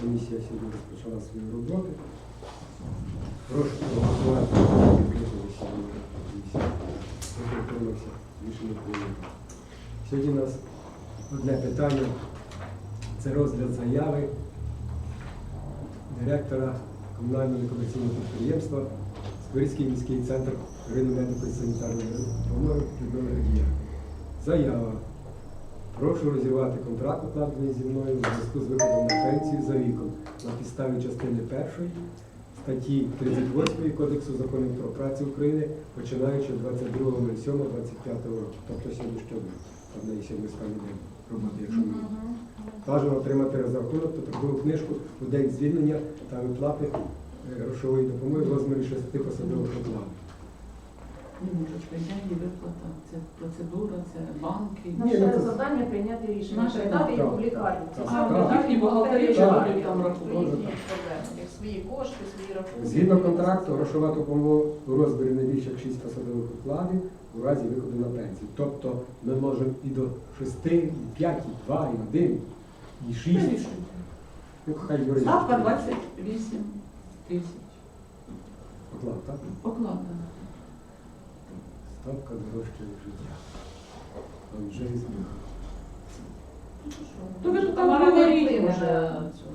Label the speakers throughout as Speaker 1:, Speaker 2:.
Speaker 1: Комісія сьогодні розпочала свою роботу. Прошу проголосувати за відкрите засідання комісії. Прошу утримався. Рішення прийнято. Сьогодні у нас одне питання. Це розгляд заяви директора комунального некомерційного підприємства Сквирський міський центр первинної медико-санітарної допомоги Людмили Радія. Заява. Прошу розірвати контракт, укладений зі мною у зв'язку з виходом на пенсію за віком на підставі частини 1 статті 38 Кодексу законів про працю України, починаючи з 22.07.25 року, тобто сьогоднішнього дня. Там неї сьогодні останній день роботи, якщо ми. Бажано отримати розрахунок та трудову книжку у день звільнення та виплати грошової допомоги в розмірі 6 посадових оклад.
Speaker 2: Немножечко, я не виплата. Це процедура, це банки.
Speaker 1: Ні,
Speaker 3: Наше завдання прийняти рішення,
Speaker 2: Наше
Speaker 3: передати їх
Speaker 1: так.
Speaker 3: публікарні.
Speaker 2: Їхні бухгалтері вже роблять там рахунок.
Speaker 3: Як свої кошти, свої рахунки.
Speaker 1: Згідно контракту, грошова допомога у розмірі не більше як 6 посадових окладів у разі виходу на пенсію. Тобто ми можемо і до 6, і 5, і 2, і 1, і 6. Ну, хай юридично.
Speaker 2: Ставка 28 тисяч.
Speaker 1: Оклад, так?
Speaker 2: Оклада.
Speaker 1: Ставка дорожче життя. Анджей Зміг.
Speaker 2: То ви ж там
Speaker 3: Тамара
Speaker 2: говорили
Speaker 3: Валентинівна
Speaker 2: вже.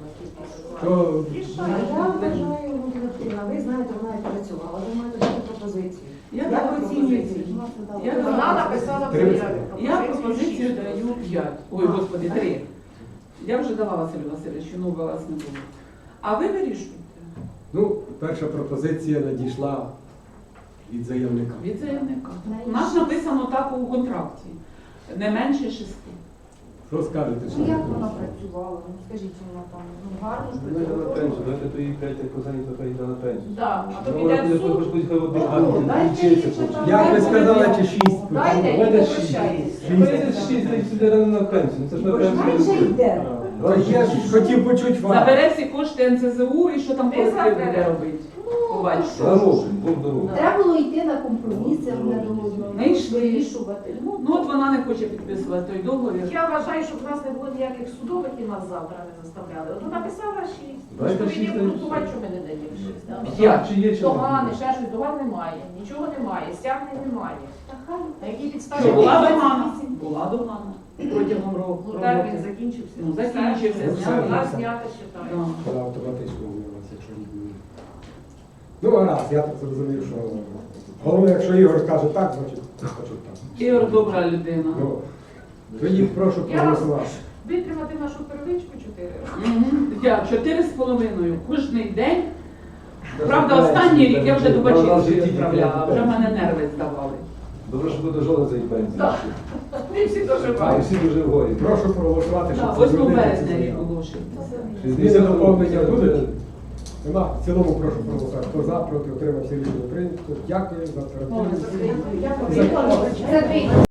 Speaker 1: То
Speaker 3: Рішення.
Speaker 4: Я вважаю, ви знаєте, вона і працювала, ви маєте дати пропозицію.
Speaker 2: Я
Speaker 4: Як
Speaker 2: даю
Speaker 4: оцінюєте?
Speaker 2: пропозицію.
Speaker 4: Я
Speaker 2: Я
Speaker 3: Вона написала
Speaker 1: Три.
Speaker 3: заяву.
Speaker 2: Я пропозицію даю 5. Ой, господи, 3. Я вже дала Василю Васильовичу, ну у вас не було. А ви вирішуєте.
Speaker 1: ну, перша пропозиція надійшла від заявника.
Speaker 2: Від заявника. У нас написано так у контракті. Не менше 6.
Speaker 1: Що скажете?
Speaker 4: Ну,
Speaker 1: шановні
Speaker 4: як вона
Speaker 1: колеги?
Speaker 4: працювала? Ну, скажіть, вона там гарно ж
Speaker 5: Вона йде на
Speaker 4: працювала.
Speaker 5: пенсію, давайте то їй 5 як позані, то хай йде на пенсію.
Speaker 3: Да, а то
Speaker 5: Ну,
Speaker 3: піде
Speaker 5: вона
Speaker 3: в суд.
Speaker 5: хоч хай один
Speaker 4: О,
Speaker 5: гарний
Speaker 4: дайте
Speaker 5: вчиться
Speaker 4: їй
Speaker 5: хоче.
Speaker 4: читати.
Speaker 1: Як ви сказали, чи 6?
Speaker 3: Дайте і
Speaker 5: Вона
Speaker 3: попрощайтеся.
Speaker 5: 6, та й сюди рано на пенсію. Ну, це ж на
Speaker 4: Бо ж менше
Speaker 5: пенсію.
Speaker 4: йде.
Speaker 1: То я ж хотів почути вас.
Speaker 2: Забере всі кошти НСЗУ і що там
Speaker 3: Не
Speaker 2: колектив
Speaker 3: забере.
Speaker 2: буде робити. Побачите.
Speaker 5: Дорогу, Бог дорогу.
Speaker 4: Треба було йти на компроміси одне до одного,
Speaker 2: Не йшли.
Speaker 4: вирішувати.
Speaker 2: Ну от вона не хоче підписувати той договір.
Speaker 3: Я вважаю, щоб в нас не було ніяких судових і нас завтра не заставляли. От написала 6.
Speaker 5: Дайте
Speaker 3: Що ви
Speaker 5: 6,
Speaker 3: не
Speaker 5: та й
Speaker 3: обґрунтувати,
Speaker 5: все.
Speaker 3: що ми не даємо 6. да?
Speaker 2: Я.
Speaker 5: Чи є, чи
Speaker 3: Догани,
Speaker 5: немає?
Speaker 3: ще щось, доган немає, нічого немає, стягнень немає.
Speaker 4: Та хай.
Speaker 3: На якій підставі?
Speaker 2: Що, була
Speaker 3: ми-
Speaker 2: догана? Була догана. Протягом року.
Speaker 3: Ну термін закінчився.
Speaker 2: Ну, закінчився,
Speaker 3: Все,
Speaker 1: зняли.
Speaker 3: вона знята, считаю.
Speaker 2: Да.
Speaker 1: Вона автоматично знялася, якщо не буде. Ну, гаразд, я так зрозумів, що головне, якщо Ігор каже так, значить хочу так.
Speaker 2: Ігор добра людина.
Speaker 1: Ну, тоді прошу
Speaker 3: Я
Speaker 1: проголосувати.
Speaker 3: Витримати нашу первичку 4 роки.
Speaker 2: Я 4,5 кожний день. Правда, останній рік я вже до Бачинської відправляла, вже в мене нерви здавали.
Speaker 5: Добре, що буде жодна за її пенсію.
Speaker 3: Так. Ми всі
Speaker 5: А, і
Speaker 3: доживаємо.
Speaker 5: всі дуже в горі.
Speaker 1: Прошу проголосувати, щоб
Speaker 2: 8
Speaker 1: змінити
Speaker 2: березня
Speaker 1: цю
Speaker 2: рік
Speaker 1: заяву.
Speaker 2: оголошується.
Speaker 1: Зміни доповнення будуть? Нема. В цілому прошу проголосувати. Хто за, проти, отримався рішення прийнято. Дякую за оперативність.
Speaker 4: Дякую.